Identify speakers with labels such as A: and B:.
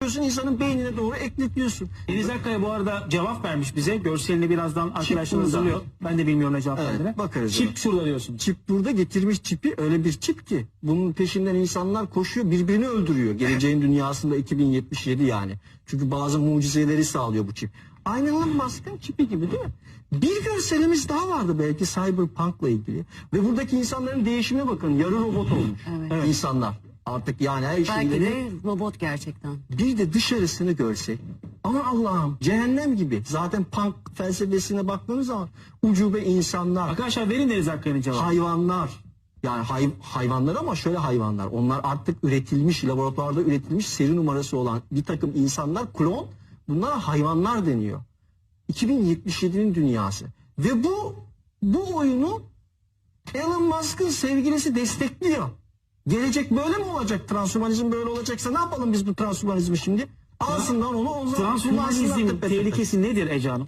A: insanın beynine doğru ekletiyorsun.
B: Deniz Akkaya bu arada cevap vermiş bize. Görselini birazdan arkadaşlar
A: burada.
B: hazırlıyor. Ben de bilmiyorum ne cevap
A: Evet,
B: verdiğini.
A: bakarız
B: Çip
A: ona.
B: şurada diyorsun.
A: Çip burada, getirmiş çipi, öyle bir çip ki bunun peşinden insanlar koşuyor, birbirini öldürüyor. Geleceğin dünyasında 2077 yani. Çünkü bazı mucizeleri sağlıyor bu çip. Aynı Elon Musk'ın çipi gibi değil mi? Bir görselimiz daha vardı belki Cyberpunk'la ilgili. Ve buradaki insanların değişimine bakın. Yarı robot olmuş
C: Evet.
A: insanlar. Artık yani her
C: Belki
A: şeyleri...
C: de robot gerçekten.
A: Bir de dışarısını görsek, aman Allah'ım cehennem gibi. Zaten punk felsefesine baktığınız zaman ucube insanlar,
B: Arkadaşlar verin Deniz Akkaya'nın cevabı.
A: hayvanlar, yani hayvanlar ama şöyle hayvanlar. Onlar artık üretilmiş, laboratuvarda üretilmiş seri numarası olan bir takım insanlar, klon, bunlara hayvanlar deniyor. 2077'nin dünyası. Ve bu oyunu Elon Musk'ın sevgilisi destekliyor. Gelecek böyle mi olacak? Transhumanizm böyle olacaksa ne yapalım biz bu transhumanizmi şimdi? Alsınlar onu, o zaman
B: Transhumanizmin tehlikesi nedir Ece Hanım?